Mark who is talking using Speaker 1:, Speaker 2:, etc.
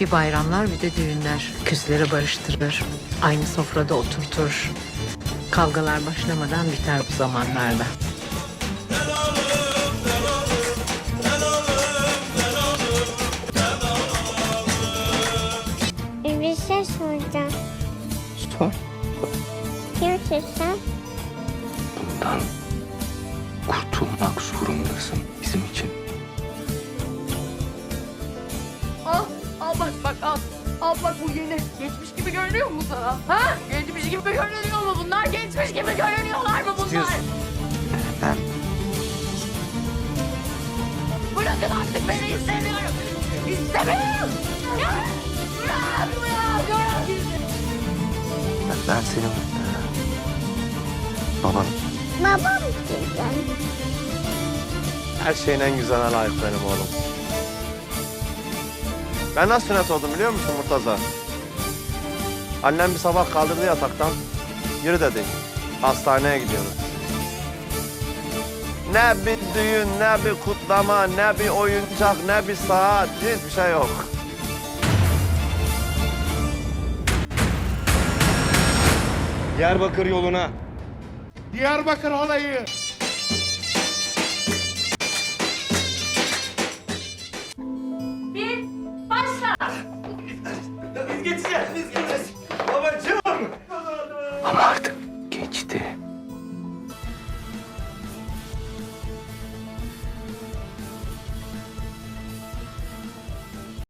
Speaker 1: Bir bayramlar bir de düğünler. Küsleri barıştırır. Aynı sofrada oturtur. Kavgalar başlamadan biter bu zamanlarda.
Speaker 2: Bir şey soracağım.
Speaker 3: Sor.
Speaker 2: Kimsin sen?
Speaker 3: Bundan kurtulmak zorundasın bizim için.
Speaker 4: Al bak al. Al bak bu yeni. Geçmiş gibi görünüyor mu sana? Ha? Geçmiş gibi görünüyor mu bunlar? Geçmiş gibi görünüyorlar mı bunlar?
Speaker 3: İstiyorsun. Ben
Speaker 4: Bırakın artık beni istemiyorum. İstemiyorum. Ya! Bırak.
Speaker 3: ben senin babanım.
Speaker 2: Babam güzel.
Speaker 5: Her şeyin en güzeline layık benim oğlum. Ben nasıl sünnet oldum biliyor musun Murtaza? Annem bir sabah kaldırdı yataktan. Yürü dedi. Hastaneye gidiyoruz. Ne bir düğün, ne bir kutlama, ne bir oyuncak, ne bir saat. Hiçbir şey yok.
Speaker 6: Diyarbakır yoluna.
Speaker 7: Diyarbakır halayı